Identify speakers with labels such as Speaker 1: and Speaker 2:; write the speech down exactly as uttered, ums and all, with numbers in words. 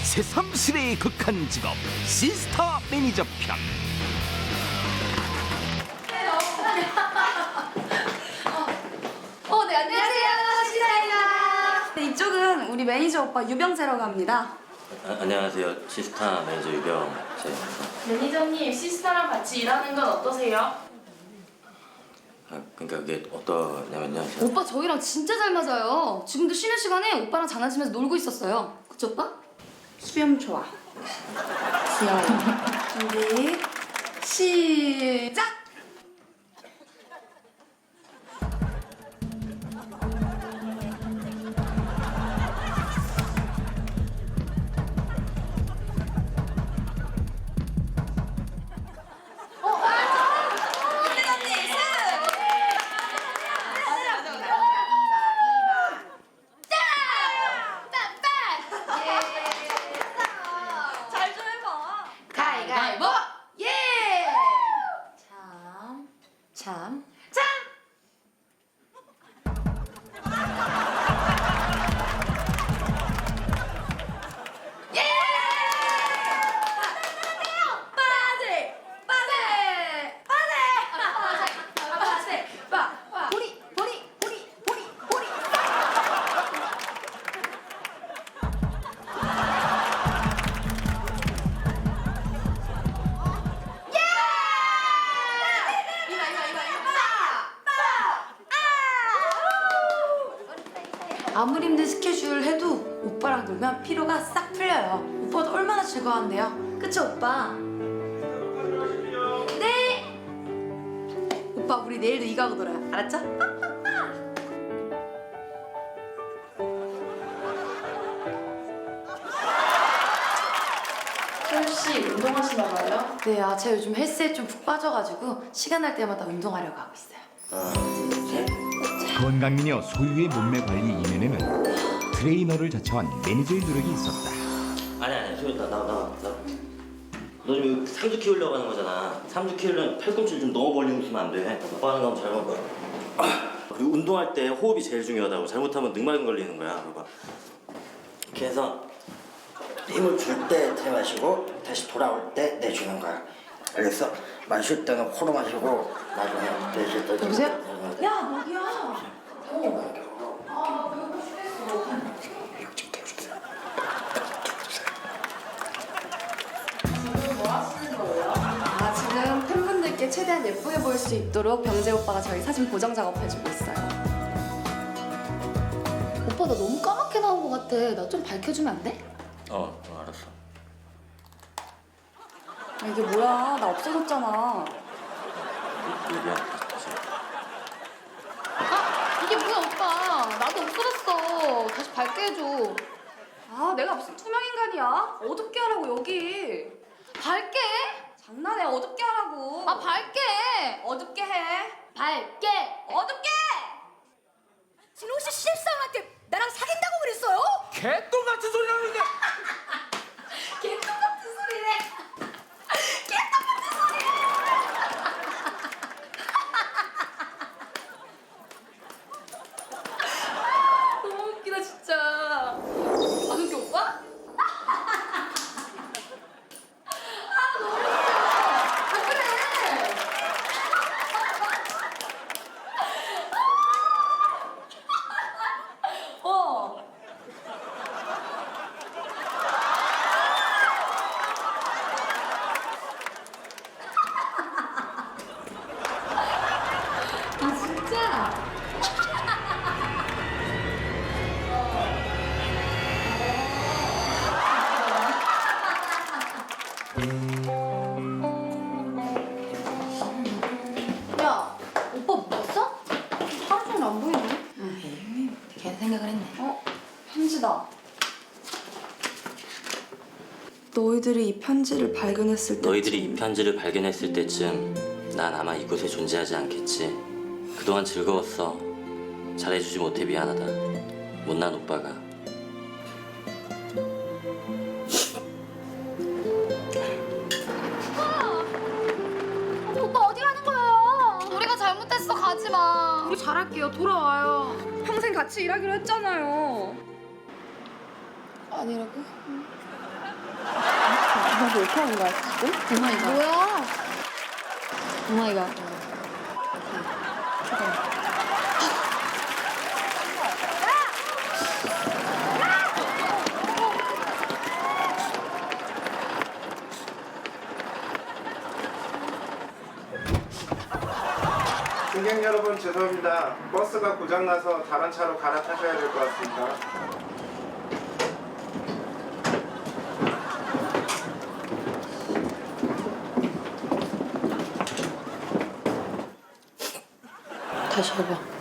Speaker 1: 새삼스레 극한 직업 시스타 매니저 편.
Speaker 2: 어, 네, 안녕하세요. 시사입니다. 네, 이쪽은 우리 매니저 오빠 유병재라고 합니다.
Speaker 3: 아, 안녕하세요. 시스타 매니저 유병재입니다.
Speaker 4: 매니저님, 시스타랑 같이 일하는 건 어떠세요?
Speaker 3: 아, 그러니까 그게 어떠냐면요. 제가
Speaker 2: 오빠 저희랑 진짜 잘 맞아요. 지금도 쉬는 시간에 오빠랑 장난치면서 놀고 있었어요. 그치 오빠? 수염 좋아. 귀여워. 준비, 시작! 가위바위보! 예! 참, 참, 참! 예! 빠세! 빠세! 빠세! 빠세! 빠! 보리! 보리! 보리! 보리! 보리! 이봐 이봐 이봐 이봐 아무리 힘든 스케줄 해도 오빠랑 놀면 피로가 싹 풀려요. 오빠도 얼마나 즐거워한대요. 그치 오빠? 네. 오빠 우리 내일도 이 가고 놀아요. 알았죠?
Speaker 4: 철씨 운동하시나 봐요?
Speaker 2: 네, 아 제가 요즘 헬스에 좀 푹 빠져가지고 시간 날 때마다 운동하려고 하고 있어요.
Speaker 3: 하나, 둘, 셋.
Speaker 1: 건강미녀 소유의 몸매 관리 이면에는 트레이너를 자처한 매니저의 노력이 있었다.
Speaker 3: 아니 아니 소율 나나 나 나. 너 지금 삼주 키우려고 하는 거잖아. 삼주 키우려면 팔꿈치를 좀 너무 벌리고 있으면 안 돼. 오빠 하는 거 하면 잘못 거야. 그리고 운동할 때 호흡이 제일 중요하다고. 잘못하면 늑막염 걸리는 거야. 봐봐. 이렇게 해서
Speaker 5: 힘을 줄 때 들이마시고 다시 돌아올 때 내주는 거야. 알겠어? 마실 때는 코로 마시고 나중에 내쉴 때
Speaker 2: 여보세요?
Speaker 5: 좀-
Speaker 2: 야, 먹이야. 아, 지금 팬분들께 최대한 예쁘게 보일 수 있도록 병재 오빠가 저희 사진 보정 작업해주고 있어요. 오빠 나 너무 까맣게 나온 것 같아. 나 좀 밝혀주면 안 돼?
Speaker 3: 어, 어 알았어.
Speaker 2: 아, 이게 뭐야? 나 없어졌잖아.
Speaker 3: 얘기야.
Speaker 2: 아, 이게 뭐야 오빠? 나도 없어졌어. 다시 밝게 해줘. 아, 내가 무슨 투명 인간이야? 어둡게 하라고 여기. 밝게? 장난해. 어둡게 하라고. 아, 밝게. 어둡게 해. 밝게. 어둡게.
Speaker 6: 진호 씨 신입사원한테 나랑 사귄다고 그랬어요?
Speaker 1: 개똥 같은 소리 하는데.
Speaker 2: 개똥 같은 소리네. 개똥 같은 소리. 너무 웃기다 진짜. 안 웃겨 오빠? 아 너무 웃겨. 아 그래. 어. 아 진짜? 야, 오빠 먹었어? 하루 종일 안 보이네. 응, 걔 생각을 했네. 어, 편지다.
Speaker 7: 너희들이 이 편지를 발견했을 때
Speaker 3: 너희들이 이 편지를 발견했을 때쯤 난 아마 이곳에 존재하지 않겠지. 그동안 즐거웠어. 잘해주지 못해 미안하다. 못난 오빠가.
Speaker 2: 오빠 어디 가는 거예요? 우리가 잘못했어. 가지 마.
Speaker 7: 우리 잘할게요. 돌아와요. 평생 같이 일하기로 했잖아요.
Speaker 2: 아니라고? 나도 이렇게 하는 거야 지금? 오마이갓. 뭐야? 오마이갓.
Speaker 8: 승객 여러분 죄송합니다. 버스가 고장나서 다른 차로 갈아타셔야 될 것 같습니다.
Speaker 2: 다시 해봐.